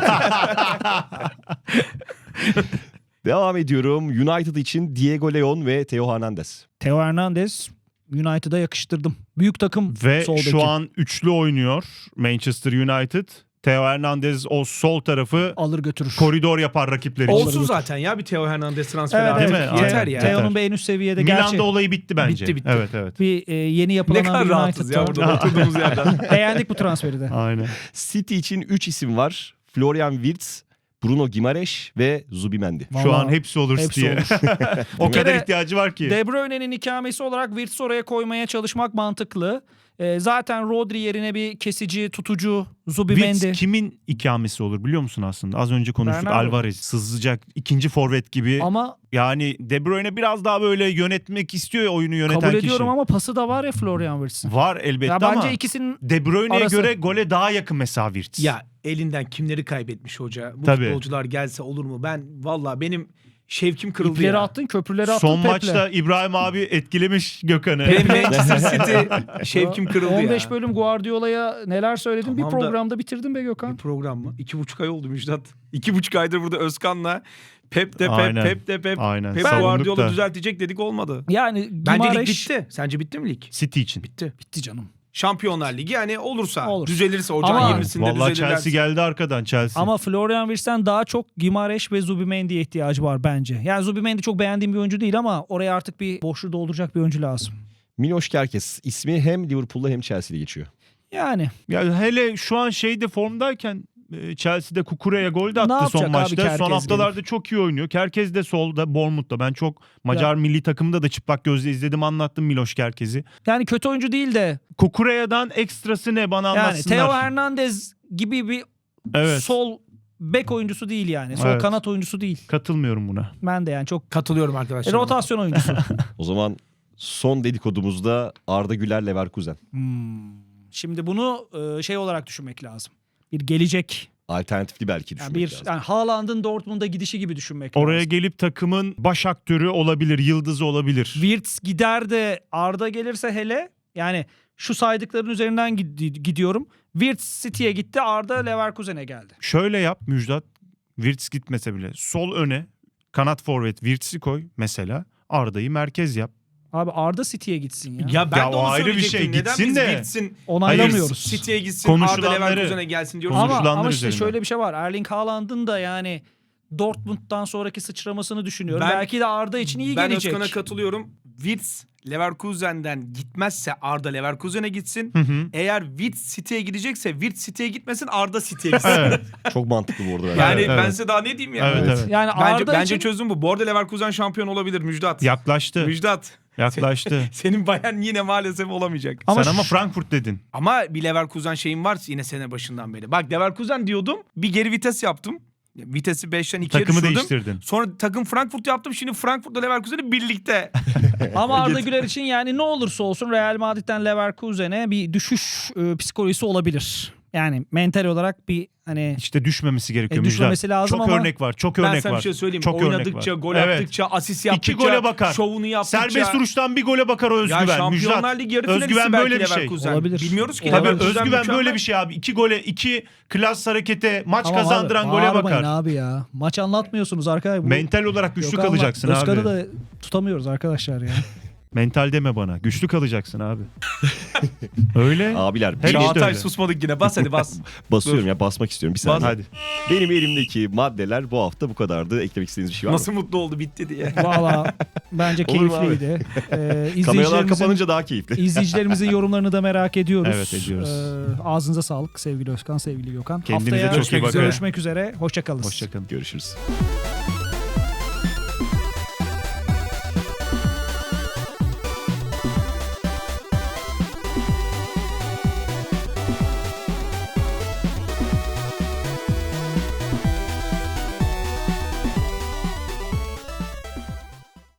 Speaker 4: Devam ediyorum. United için Diego Leon ve Theo Hernandez.
Speaker 3: Theo Hernandez United'a yakıştırdım. Büyük takım
Speaker 2: Ve
Speaker 3: sol beki.
Speaker 2: şu an üçlü oynuyor Manchester United. Theo Hernandez o sol tarafı
Speaker 3: alır götürür.
Speaker 2: koridor yapar rakipler için.
Speaker 1: Olsun zaten ya bir Theo Hernandez transferi
Speaker 3: Evet,
Speaker 1: artık.
Speaker 2: değil mi?
Speaker 1: Yeter
Speaker 2: Aynen.
Speaker 1: ya.
Speaker 3: Theo'nun bir en üst seviyede gerçi.
Speaker 2: Milan'da olayı bitti bence.
Speaker 1: Bitti.
Speaker 2: Evet evet.
Speaker 3: Bir yeni
Speaker 1: Ne
Speaker 3: yapılan
Speaker 1: kadar
Speaker 3: bir
Speaker 1: rahatız ya
Speaker 3: United'da.
Speaker 1: burada oturduğumuz yerden.
Speaker 3: Beğendik bu transferi de.
Speaker 2: Aynen.
Speaker 4: City için 3 isim var. Florian Wirtz, Bruno Gimareş ve Zubimendi.
Speaker 2: Şu
Speaker 3: Vallahi
Speaker 2: an hepsi olur
Speaker 3: hepsi
Speaker 2: diye.
Speaker 3: olur.
Speaker 2: O
Speaker 3: Bir
Speaker 2: kadar
Speaker 3: kere
Speaker 2: ihtiyacı var ki.
Speaker 3: De Bruyne'nin ikamesi olarak Wirtz'i oraya koymaya çalışmak mantıklı. Zaten Rodri yerine bir kesici, tutucu, Zubimendi.
Speaker 2: Wirtz kimin ikamesi olur biliyor musun aslında? Az önce konuştuk.
Speaker 3: Bernardo.
Speaker 2: Alvarez sızacak ikinci forvet gibi.
Speaker 3: Ama
Speaker 2: Yani De Bruyne biraz daha böyle yönetmek istiyor ya oyunu yöneten
Speaker 3: kabul
Speaker 2: kişi.
Speaker 3: ediyorum ama pası da var ya Florian Wirtz'in.
Speaker 2: Var elbette
Speaker 3: Ya
Speaker 2: ama
Speaker 3: bence ikisinin
Speaker 2: De Bruyne'ye
Speaker 3: arası.
Speaker 2: göre gole daha yakın mesela Wirtz.
Speaker 1: Ya elinden kimleri kaybetmiş hoca. Bu
Speaker 2: Tabii.
Speaker 1: futbolcular gelse olur mu? Valla benim şevkim kırıldı
Speaker 3: ipleri
Speaker 1: ya.
Speaker 3: attın, köprüleri attın
Speaker 2: Son
Speaker 3: Pep'le.
Speaker 2: maçta İbrahim abi etkilemiş Gökhan'ı.
Speaker 1: Benim Manchester City şevkim kırıldı
Speaker 3: 15
Speaker 1: ya.
Speaker 3: bölüm Guardiola'ya neler söyledin
Speaker 1: Tamam
Speaker 3: bir
Speaker 1: da-
Speaker 3: programda bitirdin be Gökhan.
Speaker 1: Bir program mı? 2,5 ay oldu Müjdat. 2,5 aydır burada Özkan'la Pep de Pep,
Speaker 2: Aynen.
Speaker 1: Pep de Pep.
Speaker 2: Aynen.
Speaker 1: Pep
Speaker 2: Savunduk
Speaker 1: Guardiola
Speaker 2: da.
Speaker 1: düzeltecek dedik olmadı.
Speaker 3: Yani
Speaker 1: Bence lig
Speaker 3: Gimareş
Speaker 1: bitti. Sence bitti mi lig?
Speaker 2: City için.
Speaker 1: Bitti.
Speaker 3: bitti canım.
Speaker 1: Şampiyonlar Ligi yani olursa
Speaker 3: Olur.
Speaker 1: düzelirse ocağın
Speaker 3: Ama-
Speaker 1: 20'sinde
Speaker 2: Vallahi
Speaker 1: düzelirler.
Speaker 2: Chelsea geldi arkadan Chelsea.
Speaker 3: Ama Florian Wirtz'ten daha çok Gimareş ve Zubimendi'ye ihtiyacı var bence. Yani Zubimendi çok beğendiğim bir oyuncu değil ama oraya artık bir boşluğu dolduracak bir oyuncu lazım.
Speaker 4: Miloš Kerkez ismi hem Liverpool'da hem Chelsea'de geçiyor.
Speaker 3: Yani
Speaker 2: Ya hele şu an şeyde formdayken Chelsea'de Kukure'ye gol de
Speaker 3: Ne
Speaker 2: attı son
Speaker 3: yapacak abi
Speaker 2: maçta.
Speaker 3: Kerkez
Speaker 2: Son haftalarda çok iyi oynuyor. Kerkez de solda Bournemouth'ta. Ben çok Macar milli takımda da çıplak gözle izledim, anlattım Miloš Kerkez'i.
Speaker 3: yani kötü oyuncu değil de
Speaker 2: Kukure'den ekstrası ne bana
Speaker 3: yani
Speaker 2: anlatsınlar.
Speaker 3: Theo Hernandez gibi bir
Speaker 2: Evet.
Speaker 3: sol bek oyuncusu değil yani. Sol
Speaker 2: Evet.
Speaker 3: kanat oyuncusu değil.
Speaker 2: Katılmıyorum buna.
Speaker 3: Ben de yani çok
Speaker 1: Katılıyorum arkadaşlar.
Speaker 3: rotasyon oyuncusu.
Speaker 4: O zaman Son dedikodumuzda Arda Güler Leverkusen.
Speaker 3: Şimdi bunu şey olarak düşünmek lazım. Bir gelecek,
Speaker 4: Alternatifli belki
Speaker 3: yani
Speaker 4: düşünmek
Speaker 3: bir
Speaker 4: lazım.
Speaker 3: yani Haaland'ın Dortmund'a gidişi gibi düşünmek
Speaker 2: Oraya
Speaker 3: lazım.
Speaker 2: gelip takımın baş aktörü olabilir, yıldızı olabilir.
Speaker 3: Wirtz gider de Arda gelirse hele, yani şu saydıkların üzerinden gidiyorum. Wirtz City'ye gitti, Arda Leverkusen'e geldi.
Speaker 2: Şöyle yap Müjdat, Wirtz gitmese bile sol öne kanat forvet Wirtz'i koy mesela. Arda'yı merkez yap.
Speaker 3: Abi Arda City'ye gitsin ya.
Speaker 1: Ya ben
Speaker 2: Ya
Speaker 1: de
Speaker 2: o
Speaker 1: onu
Speaker 2: ayrı bir
Speaker 1: söyleyecektim.
Speaker 2: şey,
Speaker 1: Neden
Speaker 2: gitsin
Speaker 1: biz
Speaker 2: de.
Speaker 1: gitsin,
Speaker 3: Onaylamıyoruz.
Speaker 1: City'ye gitsin, Arda
Speaker 2: Konuşulanları-
Speaker 1: Leverkusen'e gelsin diyoruz.
Speaker 3: Ama,
Speaker 2: konuşulanlar
Speaker 3: ama işte
Speaker 2: üzerinden.
Speaker 3: şöyle bir şey var. Erling Haaland'ın da yani Dortmund'dan sonraki sıçramasını düşünüyorum.
Speaker 1: Ben-
Speaker 3: Belki de Arda için iyi
Speaker 1: Ben
Speaker 3: gelecek.
Speaker 1: Özkan'a katılıyorum. Wirtz Leverkusen'den gitmezse Arda Leverkusen'e gitsin.
Speaker 2: Hı hı.
Speaker 1: Eğer Wirtz City'ye gidecekse Wirtz City'ye gitmesin, Arda City'ye gitsin.
Speaker 2: Evet,
Speaker 4: Çok mantıklı bu arada.
Speaker 1: Yani
Speaker 2: Evet,
Speaker 1: ben
Speaker 2: evet.
Speaker 1: size daha ne diyeyim ya?
Speaker 2: evet, evet.
Speaker 3: Yani Arda
Speaker 1: Bence
Speaker 3: için
Speaker 1: çözüm bu. Bu arada Leverkusen şampiyon olabilir Müjdat.
Speaker 2: Yaklaştı.
Speaker 1: Müjdat.
Speaker 2: Yaklaştı.
Speaker 1: Senin Bayern yine maalesef olamayacak.
Speaker 3: Ama
Speaker 2: Sen ama
Speaker 3: şu-
Speaker 2: Frankfurt dedin.
Speaker 1: Ama bir Leverkusen şeyim var yine sene başından beri. Bak Leverkusen diyordum. Bir geri vites yaptım. Vitesi 5'ten 2'ye
Speaker 2: Takımı
Speaker 1: düşürdüm.
Speaker 2: değiştirdin.
Speaker 1: Sonra takım Frankfurt yaptım. Şimdi Frankfurt'la Leverkusen'i birlikte.
Speaker 3: ama Arda Güler için yani ne olursa olsun Real Madrid'den Leverkusen'e bir düşüş psikolojisi olabilir. Yani mental olarak bir hani
Speaker 2: İşte düşmemesi gerekiyor Müjdat.
Speaker 3: düşmemesi lazım
Speaker 2: Çok
Speaker 3: ama
Speaker 2: örnek var. Çok
Speaker 1: Ben
Speaker 2: örnek
Speaker 1: sana
Speaker 2: var.
Speaker 1: bir şey söyleyeyim.
Speaker 2: Çok örnek
Speaker 1: Oynadıkça,
Speaker 2: var.
Speaker 1: gol
Speaker 2: Evet.
Speaker 1: attıkça, asist
Speaker 2: İki
Speaker 1: yaptıkça,
Speaker 2: gole bakar.
Speaker 1: şovunu yaptıkça.
Speaker 2: Serbest vuruştan bir gole bakar o
Speaker 1: Ya
Speaker 2: özgüven.
Speaker 1: Şampiyonlar
Speaker 2: Müjdat.
Speaker 1: Ligi yarı finalisti
Speaker 2: Özgüven
Speaker 1: belki
Speaker 2: böyle bir şey.
Speaker 1: Leverkusen.
Speaker 3: Olabilir.
Speaker 1: Bilmiyoruz ki.
Speaker 2: Tabii
Speaker 1: Leverkusen
Speaker 2: özgüven
Speaker 1: mükemmel.
Speaker 2: böyle bir şey abi. 2 gole, 2 klas harekete maç
Speaker 3: Tamam
Speaker 2: kazandıran
Speaker 3: abi,
Speaker 2: gole
Speaker 3: bağırmayın
Speaker 2: bakar.
Speaker 3: abi ya. Maç anlatmıyorsunuz arkadaşlar. Bu
Speaker 2: Mental olarak güçlü
Speaker 3: Gökhan'la
Speaker 2: kalacaksın abi.
Speaker 3: Özkan'ı da tutamıyoruz arkadaşlar ya.
Speaker 2: Mental deme bana. Güçlü kalacaksın abi. Öyle.
Speaker 4: Abiler
Speaker 2: Hep işte
Speaker 1: Çağatay
Speaker 2: öyle.
Speaker 1: susmadık yine. Bas hadi bas.
Speaker 4: basıyorum ya, basmak istiyorum bir saniye.
Speaker 2: Hadi.
Speaker 4: Benim elimdeki maddeler bu hafta bu kadardı. Eklemek istediğiniz bir şey var mı?
Speaker 1: Nasıl mutlu oldu bitti diye.
Speaker 3: Valla bence
Speaker 4: Olur mu abi?
Speaker 3: keyifliydi.
Speaker 4: Kameralar
Speaker 3: İzleyicilerimizin,
Speaker 4: kapanınca daha keyifli.
Speaker 3: izleyicilerimizin yorumlarını da merak ediyoruz.
Speaker 2: Evet, ediyoruz.
Speaker 3: Ağzınıza sağlık sevgili Özkan, sevgili Gökhan.
Speaker 2: Kendinize
Speaker 3: Haftaya
Speaker 2: çok iyi bakın.
Speaker 3: görüşmek üzere. Hoşça kalın.
Speaker 2: Hoşçakalın.
Speaker 4: Görüşürüz.